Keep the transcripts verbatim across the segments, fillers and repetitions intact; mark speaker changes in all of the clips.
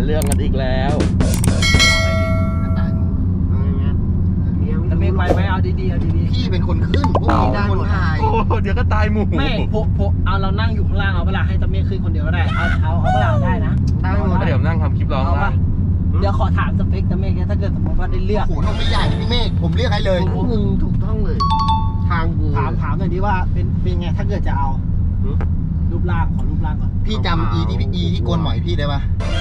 Speaker 1: เรื่องกันอีกแล้ว
Speaker 2: ตะเมฆไปไหมเอาดีๆเอาดีๆ
Speaker 3: พี่เป็นคนขึ้นพวกนี้ได้คนถ่าย
Speaker 1: โอ้เดี๋ยวก็ตายหมู่
Speaker 2: ไม่พวกพวกเอาเรานั่งอยู่ข้างล่างเอาเวลาให้ตะเมฆขึ้นคนเดียวก็ได้เอาเอาเอาเวลาได้นะได้หมด
Speaker 1: เดี๋ยวนั่งทำคลิปร้องได้
Speaker 2: เดี๋ยวขอถามสเปคตะเมฆถ้าเกิดสมมติว่าได้เลือก
Speaker 3: โอ้โหนมไม่ใหญ่พี่เมฆผมเรียกให้เลยมึงถูกต้องเลยทางกู
Speaker 2: ถามถามหน่อยดิว่าเป็นเป็นไงถ้าเกิดจะเอารูปร่างขอรูปร่างก่อน
Speaker 3: พี่จำอีที่อีที่โกนหมอยพี่ได้ปะ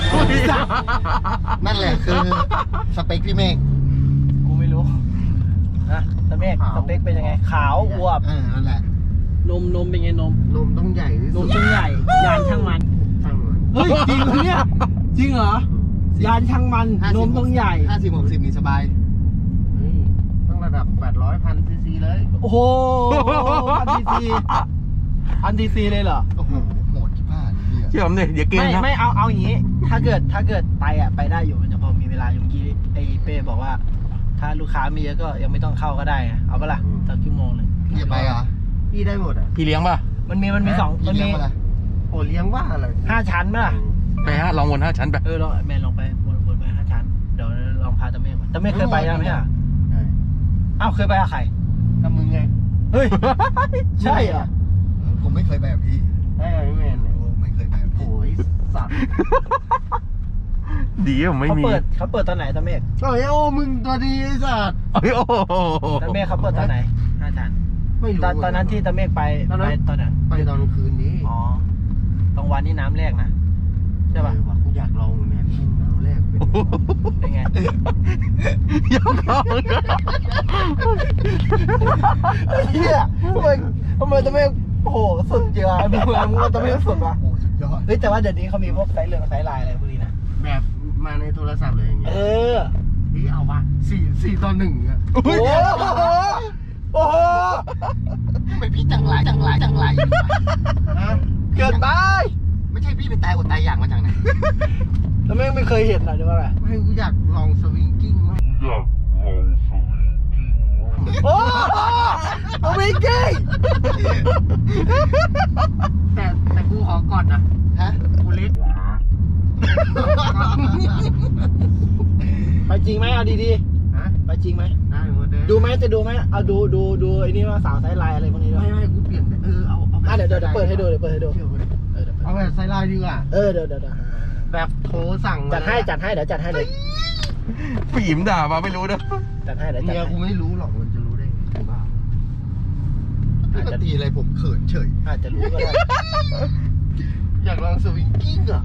Speaker 3: นั่นแหละคือสเปคพี่เมฆ
Speaker 2: กูไม่รู้นะตะเมฆสเปคเป็นยังไงขาวอวบ
Speaker 3: เออนั่นแหละ
Speaker 2: นมนมเป็นไงนม
Speaker 3: นมต้องใหญ่ที่สุด
Speaker 2: นมต้องใหญ่ยานช่างมัน
Speaker 3: ช่างมัน
Speaker 2: เฮ้ยจริงเหรอเนี่ยจริงเหรอยานช่างมันนมต้องใหญ่
Speaker 3: ห้าสิบหกสิบนี่สบายต้องระดับแปดร้อยพันซีซีเลย
Speaker 2: โอ้โหพันซีซีพันซีซีเลยเหรอ
Speaker 3: โอ้โหโหดที่บ้าน
Speaker 1: เชื่อผมเนี่ยเดี๋ยวเกม
Speaker 2: ไม่ไม่เอาเอาอย่างนี้ถ้าเกิดถ้าเกิดไปอ่ะไปได้อยู่มันจะพอมีเวลาอยู่เมื่อกี้ไอ้เป้บอกว่าถ้าลูกค้ามีเยอะก็ยังไม่ต้องเข้าก็ได้เอาปะล่ะสักชั่วโมงหนึ่ง
Speaker 3: พี่จะไปเหรอพี่ได้หมดอ่ะ
Speaker 1: พี่เลี้ยงป่ะ
Speaker 2: มันมีมันมีสองมันมี
Speaker 3: โอ้เลี้ยงว่าอะไร
Speaker 2: ห้าชั้นป่ะ
Speaker 1: ไปฮะลองวนห้าชั้นไป
Speaker 2: เออลองแมนลองไปวนวนไปห้าชั้นเดี๋ยวลองพาตะเมฆมาตะเมฆเคยไปยังไหมอ่ะอ้าวเคยไปกับใคร
Speaker 3: กับมึงไง
Speaker 2: เฮ้ยใช่เหรอ
Speaker 3: ผมไม่เคยไปกับพี่
Speaker 2: ไอ้พี่แมน
Speaker 3: โอ้ไม่เคยไปกับพี่
Speaker 2: โอ้ยสัตว์
Speaker 1: ดีผมไม่มี
Speaker 2: เขาเปิดเขาเปิดตอนไหนตะเมฆ
Speaker 3: โอ้ยโอ้มึงตัวดีสัตว์
Speaker 1: โอ้ยโอ้
Speaker 2: ตะเมฆเขาเปิดตอนไหนห้าชั้น
Speaker 3: ไม่รู้
Speaker 2: ตอนนั้นที่ตะเมฆไปไปตอนไหน
Speaker 3: ไปตอนคืนนี้
Speaker 2: อ๋อกลางวันนี่น้ำแรกนะใช่ป่ะ
Speaker 3: กูอยากลองเหมือนกันน้ำแรก
Speaker 2: เป็นไง
Speaker 1: อยากลอง
Speaker 2: เฮียทำไมทำไมตะเมฆโอ้โหสุดเยอะมึงมึงตะเมฆสุดป่ะ
Speaker 3: โอ้สุดยอด
Speaker 2: เฮ้ยแต่ว่าเดี๋ยวนี้เขามีพวกไซส์เรืองไซส์ลายอะไรพวกนี้นะ
Speaker 3: แบบมาในโทรศัพท์เลยอย่างเงี้ย
Speaker 2: เออ
Speaker 3: นี่เอาวะสี่สี่ต่อหนึ่งอ่ะ
Speaker 2: โอ้โหโอ้โห
Speaker 3: ทำไมพี่จังไรจังไรจังไร
Speaker 2: เกินไป
Speaker 3: ไม่ใช่พี่เป็นตายอดตายอยากมาจากไหน
Speaker 2: แล้วไม่ไม่เคยเห็นหรอหรือว่าอะไร
Speaker 3: ไม่กูอยากลองสวิงกิ้งมั้ยอยากลองสวิงกิ้ง
Speaker 2: โอ้สวิงกิ้ง
Speaker 3: แต่แต่กูขอก่อนนะฮะกูเล็ก
Speaker 2: ไปจริงไหมเอาดีๆฮะไปจริงไหม
Speaker 3: ได้หมดเลย
Speaker 2: ดูไหมจะดูไหมเอาดูดูดูไอ้นี่ว่าสาวไซส์ลายอะไรพวกนี้ด้วย
Speaker 3: ไม่ไม่กูเปลี่ยนเออเอาเอา
Speaker 2: อ่ะเดี๋ยวเดี๋ยวเปิดให้ดูเดี๋ยวเปิดให้ดู
Speaker 3: เอาแบบไซส์ลายดีกว่า
Speaker 2: เออเดี๋ยวเดี๋ยว
Speaker 3: แบบโทรสั่ง
Speaker 2: จัดให้จัดให้เดี๋ยวจัดให้เลย
Speaker 1: ฝีมด่ามาไม่รู้นะ
Speaker 2: จัดให้เดี๋ยวจัดให้
Speaker 3: กูไม่รู้หรอกมันจะรู้ได้ไงบ้าพี่ปกติอะไรผมเขินเฉย
Speaker 2: อาจจะรู้ก็ได้
Speaker 3: อยากลองสวิงกิ้งอ่ะ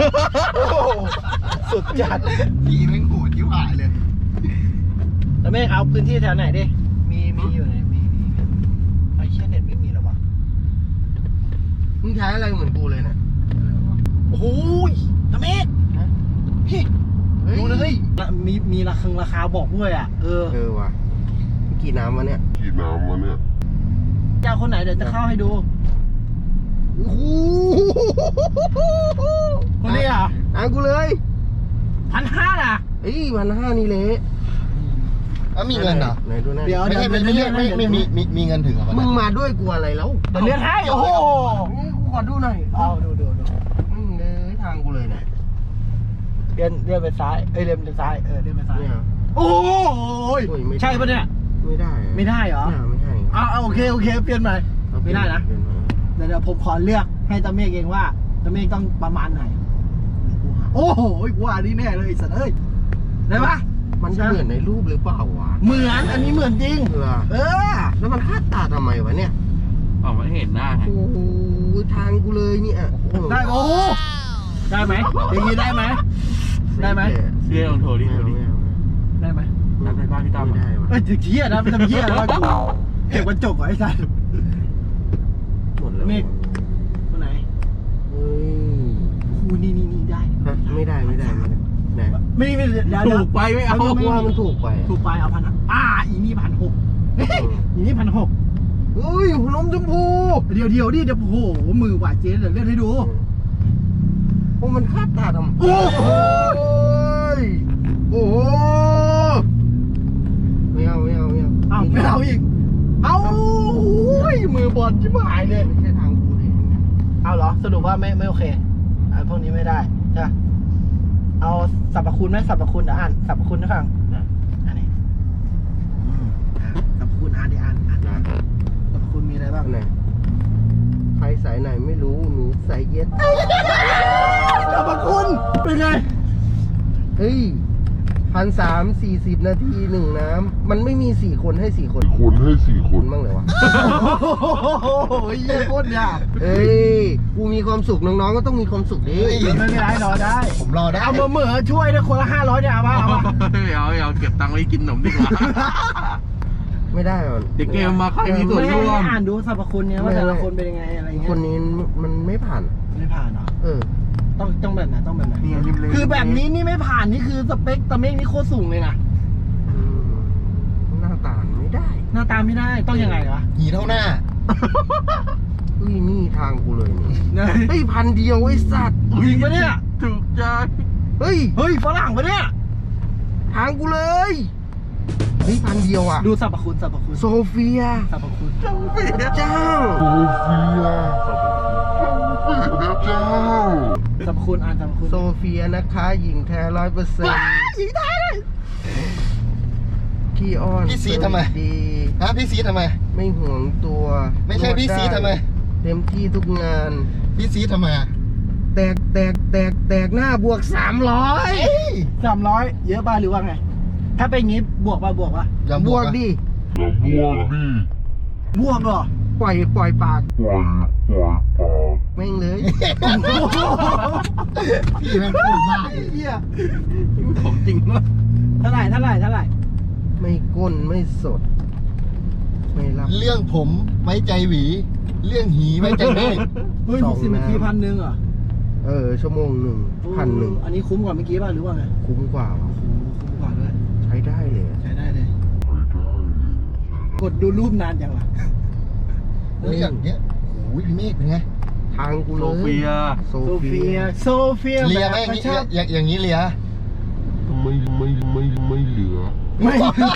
Speaker 2: สุดจัด
Speaker 3: พี่แม่งโหดยิ่งหายเลย
Speaker 2: แล้วแม่เอาพื้นที่แถวไหนดิมีมีอยู่ไหนมีมีไอเชี่ยเน็ตไม่มีหรอวะ
Speaker 3: มึงใช้อะไรเหมือนกูเลยเนี่ย
Speaker 2: โอ้โหตะเมฆดูเลยมีมีราคาราคาบอกด้วยอ่ะเออ
Speaker 3: เออว่ะกี่น้ำวะเนี่ย
Speaker 1: กี่น้ำวะเนี่ย
Speaker 2: เจ้าคนไหนเดี๋ยวจะเข้าให้ดู
Speaker 3: โอ้โห
Speaker 2: คนนี้อ่ะ
Speaker 3: อ่ะกูเลย
Speaker 2: พันห้าอ่ะ
Speaker 3: เอ้ยพันห้านี่เละอ่ะมีเงินเหรอไหนดูหน้า
Speaker 2: เดี๋ยว
Speaker 3: ไม่ใช่ไม่ไม่ไม่ไม่มีมีมีเงินถึงเหรอมึงมาด้วยกูอะไรแล้ว
Speaker 2: เดี๋ยวเลื่อนให้โอ้โห
Speaker 3: กูขอดูหน่อย
Speaker 2: เอาดูดูดู
Speaker 3: มึงเลยทางกูเลยเนี่ย
Speaker 2: เลื่อนเลื่อนไปซ้ายเอ้ยเลื่อนไปซ้ายเออเลื่อนไปซ้ายโอ้ยใช่ปะเนี่ย
Speaker 3: ไม่ได้
Speaker 2: ไม่ได้เหรอ
Speaker 3: ไม่ได้
Speaker 2: อ้าวโอเคโอเคเปลี่ยนใหม่ไม่ได้นะเดี๋ยวผมขอเลือกให้ตะเมฆเองว่าตะเมฆต้องประมาณไหนโอ้โหกูอันนี้แน่เลยสัตว์เอ้ยได้ปะ
Speaker 3: มันจะเหมือนในรูปหรือเปล่าวะ
Speaker 2: เหมือนอันนี้เหมือนจริง
Speaker 3: เหรอ
Speaker 2: เออ
Speaker 3: แล้วมันคาดตาทำไมวะเนี่ย
Speaker 1: อ๋อไม่เห็นหน้าไง
Speaker 3: โอ้โหทางกูเลยเนี่ย
Speaker 2: ได้โอ้ได้ไหมอย่างนี้ได้ไหมได้ไหม
Speaker 1: เสื้อลองโทรดิโทรดิ
Speaker 2: ได้ไหม
Speaker 1: นัดไปบ้านพี่ตั้ม
Speaker 3: ได้
Speaker 2: เอ้ยเที่ยนะไม่ทำเที่ยนะเก็บกระจกไว้ใส่
Speaker 3: หมดแล้ว
Speaker 2: เมฆคนไหน
Speaker 3: เฮ้ย
Speaker 2: คูนี่นี่นี่ได้
Speaker 3: ไม่ได้ไม่ได้ไม่ได้
Speaker 2: ไม่ไม่
Speaker 1: ถูกไปไม่เอา
Speaker 3: ว่ามันถูกไป
Speaker 2: ถูกไปเอาพันอ่าอีนี่พันหกอีนี่พันหก
Speaker 3: เฮ้ยหัวนมชมพู
Speaker 2: เดี๋ยวเดี๋ยวดิเดี๋ยวโอ้โหมือหวานเจ๊เดี๋ยวเลื่อนให้ดู
Speaker 3: โอ้มันคาดตาทำโอ้โหโอ้โหไม่เอาไม่เอาไม่เอา
Speaker 2: เอาไม่เอาอีกเอามือบอลชิบหายเลย
Speaker 3: ไม่ใช่ทางกูดิ
Speaker 2: เอาเหรอสรุปว่าไม่ไม่โอเคไอ้พวกนี้ไม่ได้ใช่เเอาสรรพคุณไหมสรรพคุณเดี๋ยวอ่านสรรพคุณให้ฟังอันนี้อืมอ่ะสรรพคุณอ่านดิอ่านอ่านอ่านสรรพคุณมีอะไรบ้าง
Speaker 3: ไหนใครสายไหนไม่รู้หนูใส่เย็ด
Speaker 2: สรรพคุณเป็นไง
Speaker 3: เฮ้ยพันสามสี่สิบนาทีหนึ่งน้ำมันไม่มีสี่คนให้สี่คน
Speaker 4: คนให้สี่ค
Speaker 3: คุ
Speaker 4: น
Speaker 3: ณบ้างเลยวะ
Speaker 2: โอ้โหเยี่ยโคตรยาก
Speaker 3: เฮ้ยกูมีความสุขน้องๆก็ต้องมีความสุขดิ
Speaker 2: ไม่เป็นไรรอได้
Speaker 3: ผมรอได้
Speaker 2: เอามาเหมือช่วยนะคนละห้าร้อยเนี่ยเอาป่ะเอาป่ะ
Speaker 1: เอาเอาเก็บตังค์ไว้กินขนมดีกว่า
Speaker 3: ไม่ได้หรอก
Speaker 1: เดี๋ยวเกมมาใครมีส่วน
Speaker 2: ไม่ให้
Speaker 1: ร่วม
Speaker 2: อ่านดูสรรพคุณเนี่ยว่าแต่ละคนเป็นยังไงอะไรเงี้ย
Speaker 3: คนนี้มันไม่ผ่าน
Speaker 2: ไม่ผ่านเหรอ
Speaker 3: เออ
Speaker 2: ต้องต้องแบบไหนต้องแบบไหน
Speaker 1: เนี่ยริมเลย
Speaker 2: คือแบบนี้นี่ไม่ผ่านนี่คือสเปคตะเมฆนี่โคตรสูงเลยนะ
Speaker 3: อืมหน้าตาไม่ได้
Speaker 2: หน้าตาไม่ได้ต้องยังไงวะ
Speaker 3: หีเท่าหน้าเฮ้ยนี่ทางกูเลยนี่
Speaker 2: เนี่ย
Speaker 3: เฮ้ยพันเดียวไอ้สัตว์
Speaker 2: จริงปะเนี่ย
Speaker 1: ถูกใจ
Speaker 3: เฮ้ย
Speaker 2: เฮ้ยฝรั่งปะเนี่ย
Speaker 3: ทางกูเลยเฮ้ยพันเดียวอ่ะ
Speaker 2: ดูสรรพคุณสรรพคุณ
Speaker 3: โซเฟีย
Speaker 2: สรรพคุณ
Speaker 3: พระเจ้า
Speaker 4: โซเฟียพระเจ้า
Speaker 2: สรรพคุณอ่านสรรพคุณ
Speaker 3: โซเฟียนะคะหญิงแท้ร้อยเปอร์เซ็นต์
Speaker 2: หญิงไทยเลย
Speaker 3: ขี้อ้อน
Speaker 5: พี่ซีทำไม
Speaker 3: ดี
Speaker 5: ฮะพี่ซีทำไม
Speaker 3: ไม่ห่วงตัว
Speaker 5: ไม่ใช่พี่ซีทำไม
Speaker 3: เต็มที่ทุกงาน
Speaker 5: พี่ซีทำไมอะ
Speaker 3: แตกแตกแตกแตกหน้าบวกสามร้อย
Speaker 2: สามร้อยเยอะป่ะหรือว่าไง ถ้าเป็นงี้บวกป่ะบวกป่ะ
Speaker 5: อย่า
Speaker 3: บบ ว
Speaker 5: ว
Speaker 3: ก
Speaker 5: ก
Speaker 3: ดิ
Speaker 4: อย่าบวกดิ
Speaker 2: บวกเหรอ
Speaker 3: ปล่อยปล่อยปาก
Speaker 4: ปล่อยปล่อยปาก
Speaker 3: แม่งเลย
Speaker 5: พี่แม่งพูดมาก
Speaker 2: เหี้ย
Speaker 1: ของจริงวะ
Speaker 2: เท่าไหร่เท่าไหร่เท่าไหร่
Speaker 3: ไม่ก้นไม่สด ไม่รับ
Speaker 5: เรื่องผมไว้ใจหวี เรื่องหีไว้ใจเมฆ
Speaker 2: เฮ้ย
Speaker 3: ส
Speaker 2: ห
Speaker 3: อง
Speaker 2: กสิบนาที
Speaker 3: น้ำ
Speaker 2: พันหนึ่งเหรอ
Speaker 3: เออ ชั่วโมงหนึ่งพันหนึ่ง
Speaker 2: อันนี้คุ้มกว่าเมื่อกี้ป่ะหรือว่าไง
Speaker 3: คุ้มกว่าว่ะ
Speaker 2: โอ้โหคุ้มกว่าด้วย
Speaker 3: ใช้ได้เลย
Speaker 2: ใช้ได้เลย
Speaker 4: ไม่ได้
Speaker 2: กดดูรูปนานจังวะ
Speaker 5: เฮ้ยอย่างเงี้ยโอ้ยพี่เมฆเป็นไง
Speaker 3: ทางกู
Speaker 1: โซ
Speaker 3: เลย
Speaker 1: เฟีย
Speaker 3: โซ
Speaker 2: โซ
Speaker 3: เฟี
Speaker 2: เฟี
Speaker 3: ย
Speaker 2: ย โซเฟีย
Speaker 5: เลียไหม
Speaker 2: แบบ
Speaker 5: อย่าง
Speaker 2: ก
Speaker 5: งี้
Speaker 2: ระชับ
Speaker 5: อย่างอย่างนี้เลีย
Speaker 4: ไม่ไม่ไม่ไม่เหลือ
Speaker 2: ไม่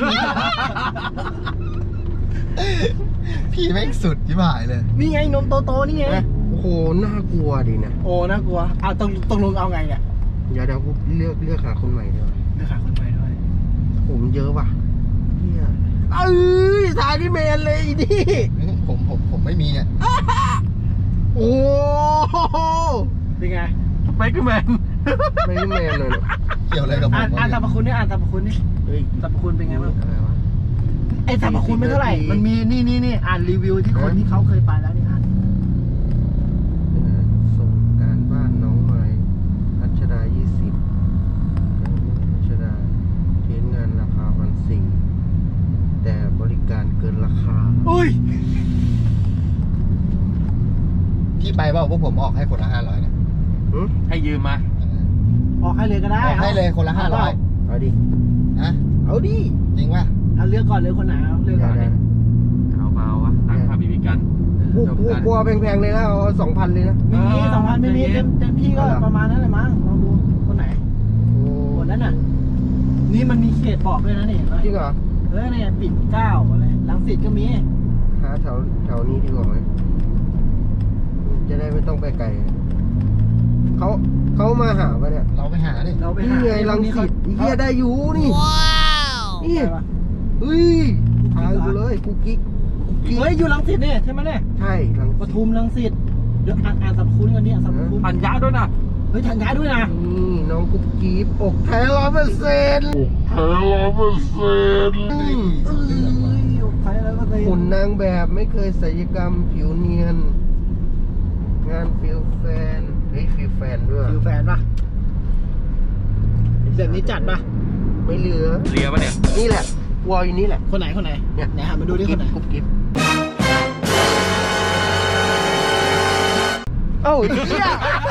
Speaker 5: พี่แม่งสุดที่หายเลย
Speaker 2: นี่ไงนมโตๆนี่ไง
Speaker 3: นะโอ้โห น่ากลัวดินะ
Speaker 2: โอ้น่ากลัวอ่ะตรงตรงลงเอาไงเนี่ย
Speaker 3: เดี๋ยวเดี๋ยวกูเลือกเลือกหาคนใหม่ดีกว่า
Speaker 2: เลือกหาคนใหม่ด้วย
Speaker 3: ผมเยอะว่ะเฮียเอ้ยสายที่เมนเลยอีนี่
Speaker 5: ผมผมผมไม่มีอ่ะ
Speaker 3: โอ้โห
Speaker 2: เป็นไง
Speaker 1: สเปกแมน
Speaker 3: ไม่ได้เมนเลยเนี่ย
Speaker 5: เกี่ยวอะไรกับผ
Speaker 2: อ่าม น
Speaker 5: วะ
Speaker 2: อ่านสรรพ
Speaker 5: เนี่ย
Speaker 2: คุณนี่อ่านสรรพคุณนี่
Speaker 3: เฮ้ย
Speaker 2: สรรพคุณเป็นไงบ้าง
Speaker 3: อะไรวะ
Speaker 2: ไอ้สรรพคุณไม่เท่าไหร่
Speaker 3: สี่สิบนาที
Speaker 2: มันมีนี่นี่นี่อ่านรีวิวที่คน
Speaker 3: ฮะ
Speaker 2: ที่เขาเคยไปแล้วนี่อ่าน
Speaker 3: ส่งการบ้านน้องใหม่อัชดายี่สิบอัชดาเทสงานราคาพันสี่แต่บริการเกินราคา
Speaker 2: อุ้ย
Speaker 5: พี่ไปเปล่าพวกผมออกให้คนละห้าร้อยเนี่ย
Speaker 3: หึ
Speaker 1: ให้ยืมมา
Speaker 2: ออกให้เลยก็ได้
Speaker 5: ออกให้เลยคนละห้าร้อย
Speaker 3: เอาดิ
Speaker 5: ฮะ
Speaker 3: เอาดิ
Speaker 5: จริงป่ะ
Speaker 2: เอาเลือกก่อนเลยคนไหนเอาเลือกก่อน
Speaker 3: ได้
Speaker 2: เลย
Speaker 1: เอาเปล่าวะตั้งค่าบีบีกัน
Speaker 3: กูกูกลัวแพงๆเลยนะเอาสองพันเลยนะ
Speaker 2: ไม่มีสองพันไม่มี
Speaker 1: ใจเย็
Speaker 2: เต็
Speaker 1: น
Speaker 2: มเต็มที่ก็
Speaker 3: เอาเหรอ
Speaker 2: ประมาณนั้นเลยมั้งลองดูคนไหน
Speaker 3: โอ้
Speaker 2: คนนั้นน่ะ นี่มันมีเขตบอกด้วยนะนี่เห็นไหม
Speaker 3: จริงเหรอ
Speaker 2: เออเนี่ยปิ่นเกล้าอะไรรังสิตก็มี
Speaker 3: หาแถวแถวนี้ดีกว่าไหมจะได้ไม่ต้องไปไกลเขาเขามาหาปะเนี่ย
Speaker 5: เราไปหาดิ
Speaker 2: เราไป
Speaker 3: นี่
Speaker 2: หา
Speaker 3: ไงรังสิตไอ้เฮียได้อยู่นี่ นี่
Speaker 2: ใช่ปะ
Speaker 3: เฮ้ยทางกูเลยกูกิ๊กกูกิ๊ก
Speaker 2: เฮ้ยอยู่รังสิตเนี่ยใช่ไหมเนี่ย
Speaker 3: ใช่รัง
Speaker 2: ป
Speaker 3: สิต
Speaker 2: ทุมรังสิตเดี๋ยวอ่านอ่านสรรพคุณกันเนี่ยสรรพคุณ
Speaker 1: พันยะด้วยนะ
Speaker 2: เฮ้ยทันย้ายด้วยนะ
Speaker 3: นี่น้องกุ๊กกิ๊บอกแท้ร้อยเปอร์เซ็นต์
Speaker 4: แพ้ร้อยเปอร์เซ็นต์
Speaker 2: เอ้ยใครอะไรก็เต็
Speaker 3: หุ่นนางแบบไม่เคยศัลยกรรมผิวเนียน งานฟิลแฟนเฮ้ยฟิลแฟนด้วย
Speaker 2: ฟิวแฟนปะแบบนี้จัดปะ
Speaker 3: ไม่เหลือ
Speaker 1: เลียปะเนี่ย
Speaker 3: นี่แหละวอลอยู่นี่แหละ
Speaker 2: คนไหนคนไหน
Speaker 3: เนี่ย
Speaker 2: ไหนหามาดูดิคนไหน
Speaker 3: กุ๊บกิ๊บเอ้าไอ้เหี้ย